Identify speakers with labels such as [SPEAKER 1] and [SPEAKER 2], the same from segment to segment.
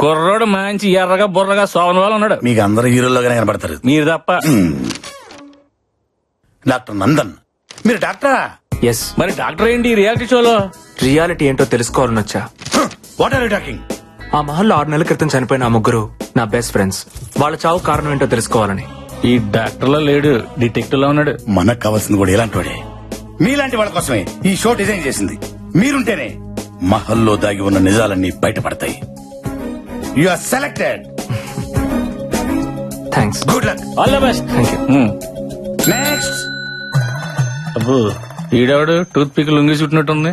[SPEAKER 1] కుర్రోడు మంచి ఎర్రగా బుర్రగా సోమన్ వాళ్ళు ఉన్నాడు.
[SPEAKER 2] మీకు అందరు హీరోల్లోగానే కనబడతారు.
[SPEAKER 1] మీరు తప్ప.
[SPEAKER 2] డాక్టర్ నందన్, మీరు డాక్టరా?
[SPEAKER 3] ఎస్.
[SPEAKER 1] మరి డాక్టర్ ఏంటి రియాలిటీ షోలో?
[SPEAKER 3] రియాలిటీ ఏంటో తెలుసుకోవాలని వచ్చా.
[SPEAKER 2] What are you talking?
[SPEAKER 3] ఆ మహల్లో 6 నెలల క్రితం చనిపోయిన ఆ ముగ్గురు నా బెస్ట్ ఫ్రెండ్స్. వాళ్ళ చావు కారణం ఏంటో తెలుసుకోవాలని.
[SPEAKER 1] ఈ డాక్టర్ లో లేడు, డిటెక్టివ్ లో ఉన్నాడు.
[SPEAKER 2] మనకు కావాల్సింది కూడా ఇలాంటి వాడే. మీలాంటి వాళ్ళ కోసమే ఈ షో డిజైన్ చేసింది. మీరుంటేనే మహల్లో దాగి ఉన్న నిజాలన్నీ బయటపడతాయి. You are selected.
[SPEAKER 3] Thanks.
[SPEAKER 2] Good luck.
[SPEAKER 1] All the best.
[SPEAKER 3] Thank you.
[SPEAKER 2] Next.
[SPEAKER 1] అబ్బో ఈడవాడు టూత్ పిక్ లొంగి చుట్టినట్టుంది.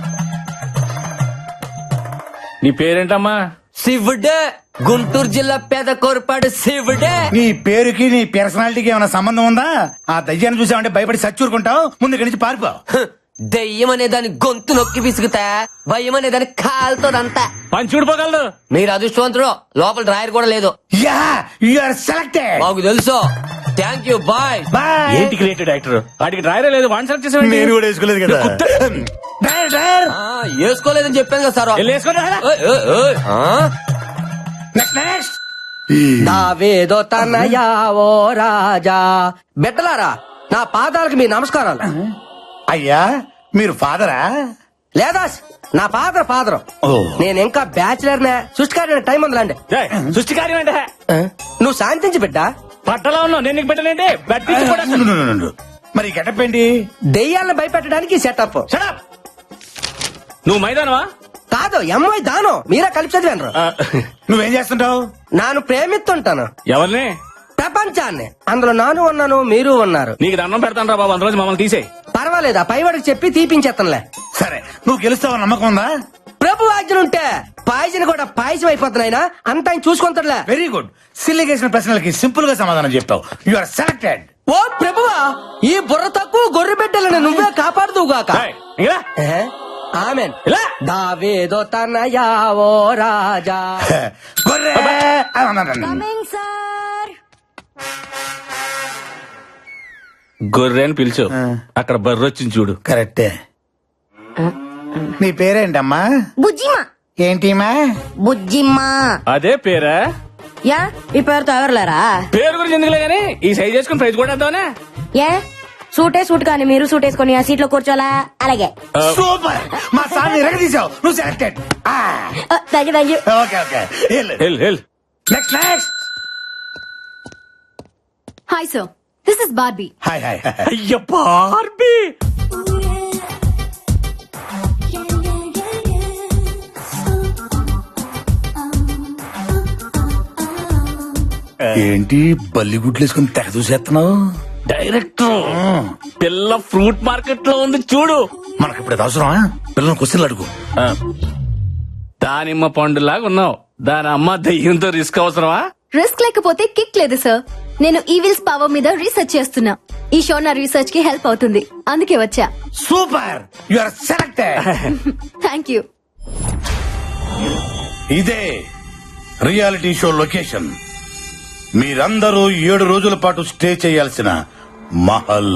[SPEAKER 1] నీ పేరేంటమ్మా?
[SPEAKER 4] శివుడే, గుంటూరు జిల్లా పేద కోరపాడు శివుడే.
[SPEAKER 2] నీ పేరుకి నీ పర్సనాలిటీకి ఏమైనా సంబంధం ఉందా? ఆ దయ్యాన్ని చూసామంటే భయపడి సచ్చూరుకుంటావు. ముందు ఇక్కడి నుంచి పారిపో.
[SPEAKER 4] దెయ్యం అనే దాని గొంతు నొక్కి విసుగుతా, భయం అనే దాని కాలుతోదంతా.
[SPEAKER 1] పని చూడిపోగలదు.
[SPEAKER 4] మీరు అదృష్టవంతుడు, లోపల డ్రాయర్ కూడా లేదు.
[SPEAKER 2] Yeah, you are selected.
[SPEAKER 4] మాకు తెలుసు. Thank you, bye.
[SPEAKER 2] బాయ్.
[SPEAKER 1] ఏంటి క్రియేటివ్ డైరెక్టర్? వాడికి డ్రైవరే లేదు, వన్ సెలెక్ట్ చేసేవాడి.
[SPEAKER 2] నేను కూడా వేసుకోలేదు కదా. Driver, driver.
[SPEAKER 4] వేసుకోలేదని చెప్పాను కదా సార్. ఓయ్, ఓయ్, ఓయ్.
[SPEAKER 2] Next, next.
[SPEAKER 4] దావేదో తనయా ఓ రాజా. బిడ్డలారా, నా పాదాలకు మీ నమస్కారాలు.
[SPEAKER 2] అయ్యా, మీరు ఫాదరా?
[SPEAKER 4] లేదా నా ఫాదర్.
[SPEAKER 2] ఓ.
[SPEAKER 4] నేను ఇంకా బ్యాచిలర్ నే. సృష్టికారి టైం ఉందిలాండి.
[SPEAKER 1] సృష్టి కార్యం అంటే
[SPEAKER 4] నువ్వు శాంతించి బిడ్డ.
[SPEAKER 1] పట్టలో ఉన్నావు, నేను నీకు పెట్టలేంటి?
[SPEAKER 2] మరి గెటప్ ఏంటి?
[SPEAKER 4] దెయ్యాలను భయపెట్టడానికి సెటప్.
[SPEAKER 1] Shut up! నువ్వు మైదానవా?
[SPEAKER 4] కాదు, ఎంఐ దానం. మీరే కలిపి చదివాను.
[SPEAKER 2] నువ్వేం చేస్తుంటావు?
[SPEAKER 4] నాను ప్రేమిస్తుంటాను
[SPEAKER 1] ఎవరిని?
[SPEAKER 4] ప్రపంచాన్ని. అందులో నాను ఉన్నాను, మీరు ఉన్నారు.
[SPEAKER 1] నీకు దండం పెడతాను రా బాబు, అందులో మమ్మల్ని తీసేయి.
[SPEAKER 4] పర్వాలేదు, ఆ పైవాడికి చెప్పి తీపించేస్తానులే.
[SPEAKER 2] సరే, నువ్వు గెలుస్తావు నమ్మకం ఉందా?
[SPEAKER 4] ప్రభు ఆజ్ఞలుంటే పాయసం కూడా పాయసం అయిపోతున్నాయినా అంత ఆయన చూసుకుంటాడులే.
[SPEAKER 2] Very good. సిల్లి చేసిన ప్రశ్నలకి సింపుల్ గా సమాధానం చెప్తావు. You are selected.
[SPEAKER 4] ఓ ప్రభువా, ఈ బుర్ర తక్కువ గొర్రె బిడ్డలను నువ్వే కాపాడుదువుగాక.
[SPEAKER 1] ఏయ్, ఇంకా రా.
[SPEAKER 4] ఆమెన్.
[SPEAKER 1] ఇలా.
[SPEAKER 4] దావేదో తనయా ఓ రాజా.
[SPEAKER 2] గొర్రె.
[SPEAKER 1] గొర్రె అని పిలిచు. అక్కడ బర్రె వచ్చింది చూడు.
[SPEAKER 2] కరెక్టే. నీ పేరేంటమ్మా?
[SPEAKER 5] బుజ్జిమా.
[SPEAKER 2] ఏంటిమా?
[SPEAKER 5] బుజ్జిమ్మా.
[SPEAKER 1] అదే పేరా?
[SPEAKER 5] యా, ఈ పేరుతో ఎవరులేరా?
[SPEAKER 1] పేరు గురించి ఎందుకులే గానీ ఈ సైజ్ చేసుకుని ప్రైజ్ కూడా వేద్దామనే.
[SPEAKER 5] ఏ సూట్ కానీ మీరు సూట్ వేసుకొని ఆ సీట్ లో కూర్చోలా? అలాగే.
[SPEAKER 2] సూపర్. మా సార్ ఎరగదీసావు. నువ్వు selected.
[SPEAKER 5] Thank you.
[SPEAKER 2] Okay, okay.
[SPEAKER 1] Hell
[SPEAKER 2] next, next.
[SPEAKER 6] Hi sir, this is Barbie.
[SPEAKER 2] Hi, hi.
[SPEAKER 1] అయ్య బార్బీ.
[SPEAKER 2] ఏంటి బల్లిగుడ్లు వేసుకుని తెగ చూసేస్తున్నావు?
[SPEAKER 1] డైరెక్టర్, పిల్ల ఫ్రూట్ మార్కెట్ లో ఉంది చూడు.
[SPEAKER 2] మనకి ఇప్పుడు అవసరమా? పిల్లలు క్వశ్చన్లు అడుగు.
[SPEAKER 1] దానిమ్మ పండులాగా ఉన్నావు. దాని అమ్మ దయ్యంతో రిస్క్ అవసరమా?
[SPEAKER 6] రిస్క్ లేకపోతే కిక్ లేదు సార్. నేను ఈవిల్స్ పవర్ మీద రీసెర్చ్ చేస్తున్నా. ఈ షో నా రీసెర్చ్ కి హెల్ప్ అవుతుంది, అందుకే వచ్చా.
[SPEAKER 2] Super. You are selected.
[SPEAKER 6] Thank you.
[SPEAKER 2] ఇదే రియాలిటీ షో లొకేషన్. మీరందరూ 7 రోజుల పాటు స్టే చేయాల్సిన మహల్.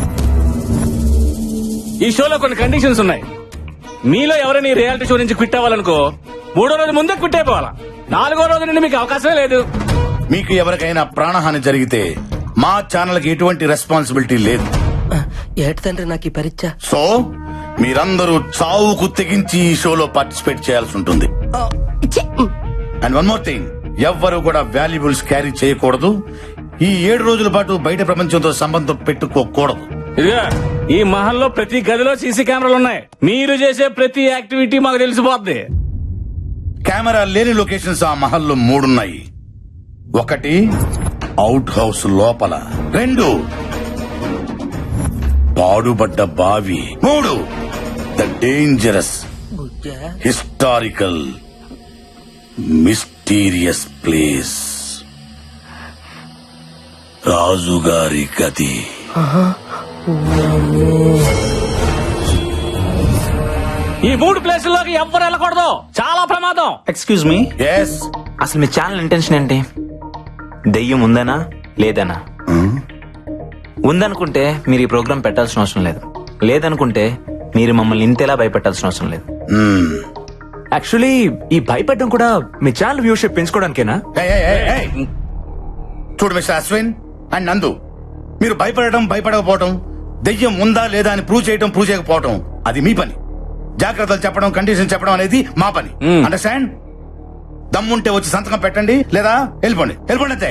[SPEAKER 1] ఈ షోలో కొన్ని కండిషన్స్ ఉన్నాయి. మీలో ఎవరైనా ఈ రియాలిటీ షో నుంచి క్విట్ అవ్వాలనుకో 3వ రోజు ముందే క్విట్ అయిపోవాలా. 4వ రోజు నుండి మీకు అవకాశమే లేదు.
[SPEAKER 2] మీకు ఎవరికైనా ప్రాణహాని జరిగితే మా ఛానల్ కి ఎటువంటి రెస్పాన్సిబిలిటీ లేదు.
[SPEAKER 4] ఏటి తండ్రి నాకు ఈ పరీక్ష.
[SPEAKER 2] సో మీరందరూ చావుకు తెగించి ఈ షోలో పార్టిసిపేట్ చేయాల్సి ఉంటుంది. అండ్ వన్ మోర్ థింగ్, ఎవ్వరూ కూడా వాల్యుబుల్స్ క్యారీ చేయకూడదు. ఈ 7 రోజుల పాటు బయట ప్రపంచంతో సంబంధం పెట్టుకోకూడదు.
[SPEAKER 1] ఇదిగా ఈ మహల్లో ప్రతి గదిలో సీసీ కెమెరాలు ఉన్నాయి. మీరు చేసే ప్రతి యాక్టివిటీ మాకు తెలిసిపోద్ది.
[SPEAKER 2] కెమెరా లేని లొకేషన్స్ ఆ మహల్లో 3 ఉన్నాయి. 1 అవుట్ హౌస్ లోపల, 2 పాడుబడ్డ బావి, 3 the dangerous historical mysterious place, రాజుగారి గది.
[SPEAKER 1] ఈ 3 ప్లేసుల్లోకి ఎవ్వరు వెళ్ళకూడదు, చాలా ప్రమాదం.
[SPEAKER 3] Excuse me,
[SPEAKER 2] yes.
[SPEAKER 3] అసలు మీ ఛానల్ ఇంటెన్షన్ ఏంటి? దెయ్యం ఉందనా లేదనా? ఉందనుకుంటే మీరు ఈ ప్రోగ్రామ్ పెట్టాల్సిన అవసరం లేదు. లేదనుకుంటే మీరు మమ్మల్ని ఇంతేలా భయపెట్టాల్సిన అవసరం లేదు. యాక్చువల్లీ ఈ భయపెట్టడం కూడా మీ ఛానల్ వ్యూషిప్ పెంచుకోవడానికేనా?
[SPEAKER 2] చూడు మిస్టర్ అశ్విన్ అండ్ నందు, మీరు భయపడకపోవటం, దెయ్యం ఉందా లేదా అని ప్రూవ్ చేయకపోవటం అది మీ పని. జాగ్రత్తలు చెప్పడం, కండిషన్ చెప్పడం అనేది మా పని. అండర్స్టాండ్? దమ్ముంటే వచ్చి సంతకం పెట్టండి, లేదా వెళ్ళిపోండి అంతే.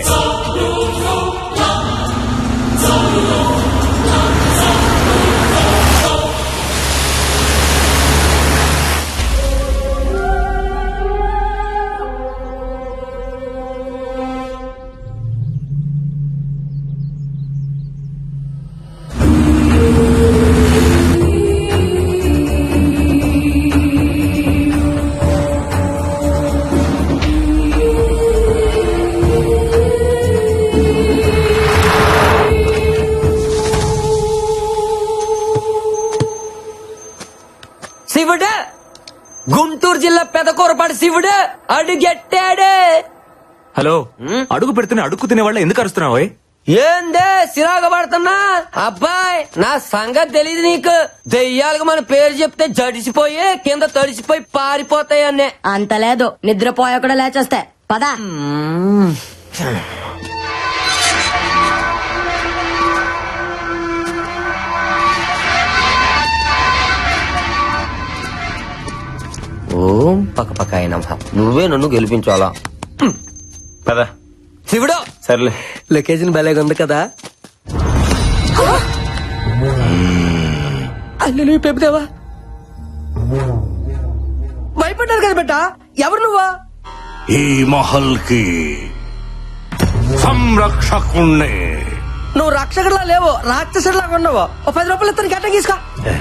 [SPEAKER 4] శివుడు, గుంటూరు జిల్లా పెదకూరపాటి శివుడు అడుగెట్టాడు.
[SPEAKER 3] హలో, అడుగు పెడుతున్న అడుగు తినే వాళ్ళ ఎందుకు అరుస్తున్నావు?
[SPEAKER 4] ఏందే సిరాగ పడుతున్నా? అబ్బాయి, నా సంగతి తెలియదు నీకు. దెయ్యాలకు మన పేరు చెప్తే జడిసిపోయి కింద తడిసిపోయి పారిపోతాయి అన్నే.
[SPEAKER 5] అంత లేదు, నిద్రపోయా కూడా లేచేస్తే పదా.
[SPEAKER 4] ఓం పక్క పక్క అయినా నువ్వే నన్ను గెలిపించాలా
[SPEAKER 7] పదా
[SPEAKER 4] శివుడు.
[SPEAKER 7] సర్లే.
[SPEAKER 4] లొకేషన్ భలేగా ఉంది కదా. అల్లు నువ్వు పెప్పుదేవా భయపడ్డారు కదా బిడ్డ. ఎవరు నువ్వా?
[SPEAKER 8] ఈ మహల్ కి సంరక్షకుణ్ణి.
[SPEAKER 4] నువ్వు రక్షకుడిలా లేవు, రాక్షసుడిలాగా ఉన్నావు. ఓ 10 రూపాయలు ఇస్తాను, గట్ట తీసుకో.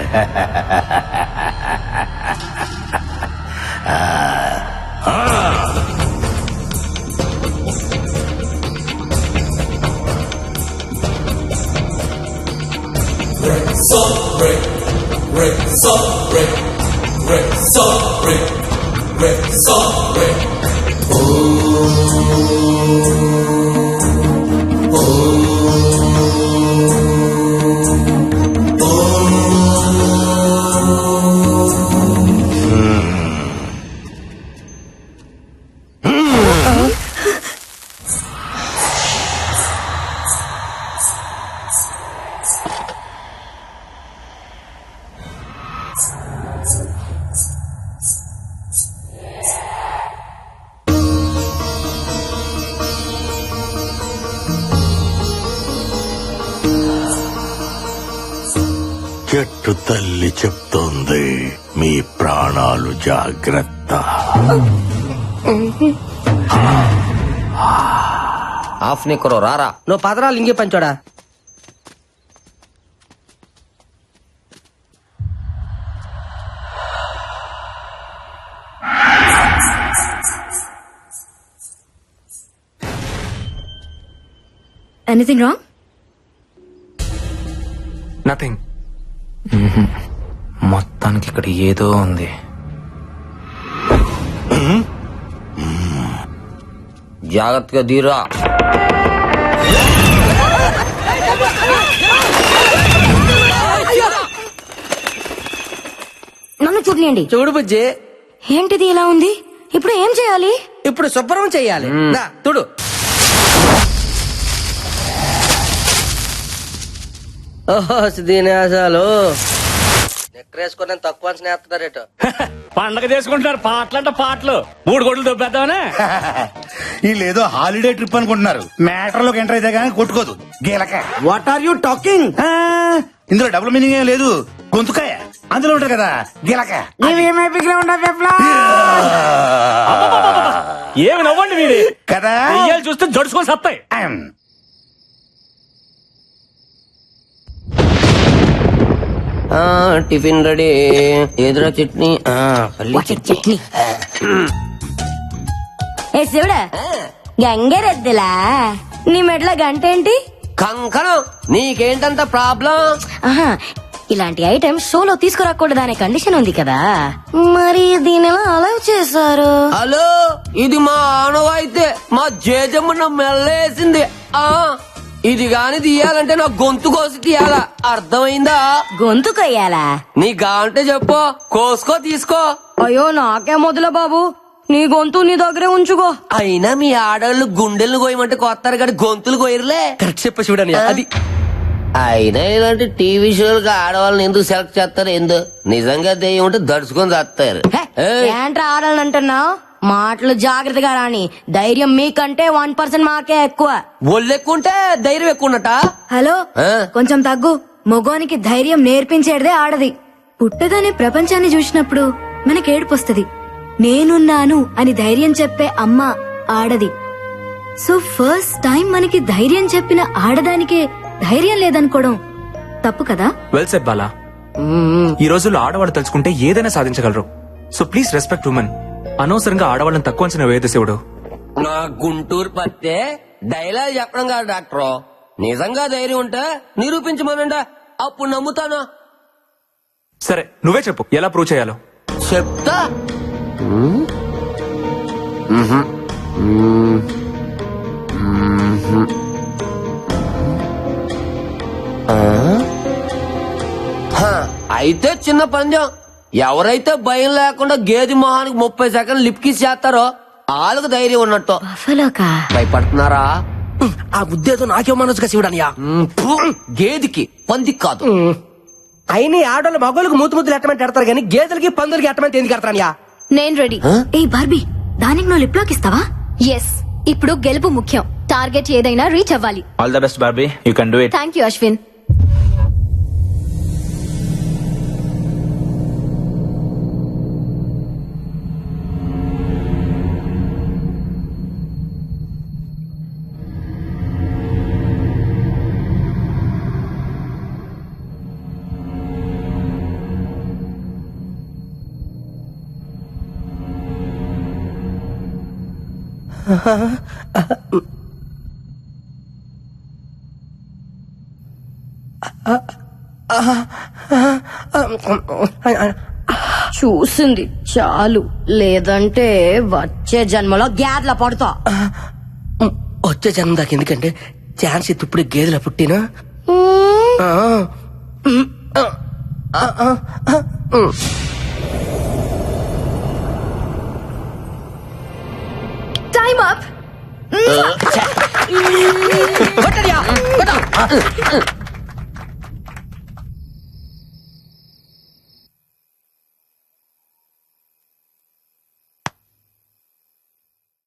[SPEAKER 8] చెట్టు తల్లి చెప్తోంది, మీ ప్రాణాలు జాగ్రత్త.
[SPEAKER 4] ఆఫ్ నిక్కరో రారా. నువ్వు పదరాలు ఇంకే పంచోడా.
[SPEAKER 6] Anything wrong?
[SPEAKER 3] నథింగ్.
[SPEAKER 7] మొత్తానికి ఇక్కడ ఏదో ఉంది.
[SPEAKER 4] జాగ్రత్తగా దీరా.
[SPEAKER 5] నన్ను చూడలేండి.
[SPEAKER 4] చూడు బుజ్జి,
[SPEAKER 5] ఏంటిది ఇలా ఉంది? ఇప్పుడు ఏం చేయాలి?
[SPEAKER 4] ఇప్పుడు శుభ్రం చెయ్యాలి. తుడు. ఓహో దీనేశాలు నెక్కరేసుకుని తక్కువ స్నేహితుడారేట.
[SPEAKER 1] పండగ చేసుకుంటున్నారు, పాటలంట పాటలు. 3 కోట్లు దొబ్బేద్దామనే.
[SPEAKER 2] వీళ్ళేదో హాలిడే ట్రిప్ అనుకుంటున్నారు. మ్యాటర్ లోకి ఎంటర్ అయితే గానీ కొట్టుకోదు గీలక.
[SPEAKER 4] What are you talking?
[SPEAKER 2] ఇందులో డబుల్ మీనింగ్ ఏం లేదు, గొంతుకాయ అందులో ఉంటారు కదా గీలక.
[SPEAKER 1] ఏమి నవ్వండి మీది
[SPEAKER 2] కదా,
[SPEAKER 1] దెయ్యాలు చూస్తే జడుచుకొని సత్తాయి.
[SPEAKER 4] Tiffin ready. ఎదురా చట్నీ, పల్లి చట్నీ.
[SPEAKER 5] ఏ శివుడా, గంగరెద్దులా నీ మెట్ల గంట ఏంటి?
[SPEAKER 4] కంకణం. నీకేంటంత ప్రాబ్లం?
[SPEAKER 5] ఆహా, ఇలాంటి ఐటమ్ షోలో తీసుకురాకూడదు అనే కండిషన్ ఉంది కదా, మరి దీని ఎలా అలౌ చేశారు?
[SPEAKER 4] హలో, ఇది మా ఆనవాయితే. మా జేజమ్మ నా మెల్లేసింది. ఇది గాని తీయాలంటే నా గొంతు కోసి తీయాలా అర్థమైందా?
[SPEAKER 5] గొంతు కొయ్యాలా?
[SPEAKER 4] నీ గాంటే చెప్పు, కోసుకో తీసుకో.
[SPEAKER 5] అయ్యో నాకే మొదల బాబు, నీ గొంతు నీ దగ్గరే ఉంచుకో.
[SPEAKER 4] అయినా మీ ఆడవాళ్ళు గుండెలను కోయమంటే కొత్తారు కానీ గొంతులు కోయరులే. కరెక్ట్ చెప్ప చూడని అది. అయినా ఇలాంటి టీవీ షోలకు ఆడవాళ్ళని ఎందుకు సెలెక్ట్ చేస్తారు? ఎందు నిజంగా దెయ్యం ఉంటే దడుచుకొని చేస్తారు.
[SPEAKER 5] ఏంట్రా ఆడాలని అంటున్నావు? మాటలు జాగ్రత్తగా రాని. ధైర్యం మీకంటే 1% మాకే ఎక్కువ.
[SPEAKER 4] ఒళ్ళు ఎక్కువ ఉంటే ధైర్యం ఎక్కువ ఉన్నట.
[SPEAKER 6] హలో
[SPEAKER 4] ఆ?
[SPEAKER 6] కొంచెం తగ్గు. మగోనికి ధైర్యం నేర్పించేదే ఆడది. పుట్టగానే ప్రపంచాన్ని చూసినప్పుడు మనకి ఏడుపొస్తది. నేనున్నాను అని ధైర్యం చెప్పే అమ్మ ఆడది. సో ఫస్ట్ టైం మనకి ధైర్యం చెప్పిన ఆడదానికే ధైర్యం లేదనుకోవడం తప్పు కదా?
[SPEAKER 3] Well said Bala. ఈ రోజుల్లో ఆడవాళ్ళు తలుచుకుంటే ఏదైనా సాధించగలరు. So please respect women. అనవసరంగా ఆడవాళ్ళని తక్కువ అంచనా వేయదు శివుడు.
[SPEAKER 4] నా గుంటూరు పత్తే డైలాగ్ చెప్పడం కాదు డాక్టర్. నిజంగా ధైర్యం ఉంటే నిరూపించమనండి, అప్పుడు నమ్ముతాను.
[SPEAKER 3] సరే నువ్వే చెప్పు ఎలా ప్రూవ్ చేయాలో.
[SPEAKER 4] చెప్తా. అయితే చిన్న పందెం. ఎవరైతే భయం లేకుండా గేది మొహానికి 30 సెకండ్లు లిప్కిస్ చేస్తారో వాళ్ళకు ధైర్యం ఉన్నట్టు.
[SPEAKER 5] బఫలోకా?
[SPEAKER 4] భయపడుతున్నారా?
[SPEAKER 9] ఆ ఉద్దేశం నాకే మనసుగా శివుడనియా.
[SPEAKER 4] గేదికి పందికి కాదు.
[SPEAKER 9] అయినా ఆడోళ్ళు మగోళ్ళకి ముద్దులు ఎట్టమంటే ఎడతారు కానీ గేదెలకి పందులకి ఎట్టమంటే ఎందుకు ఎడతారనియా?
[SPEAKER 6] నేను రెడీ. ఏ బార్బీ, దానికి నువ్వు లిప్ లాక్ ఇస్తావా? ఎస్. ఇప్పుడు గెలుపు ముఖ్యం. టార్గెట్ ఏదైనా రీచ్ అవ్వాలి.
[SPEAKER 7] All the best Barbie, you can do it.
[SPEAKER 6] Thank you Ashwin.
[SPEAKER 5] చూసింది చాలు, లేదంటే వచ్చే జన్మలో గ్యాడ్ల పడతా.
[SPEAKER 9] వచ్చే జన్మ దాకా ఎందుకంటే ఛాన్స్ ఇప్పుడు గేదెల పుట్టినా.
[SPEAKER 6] Time up.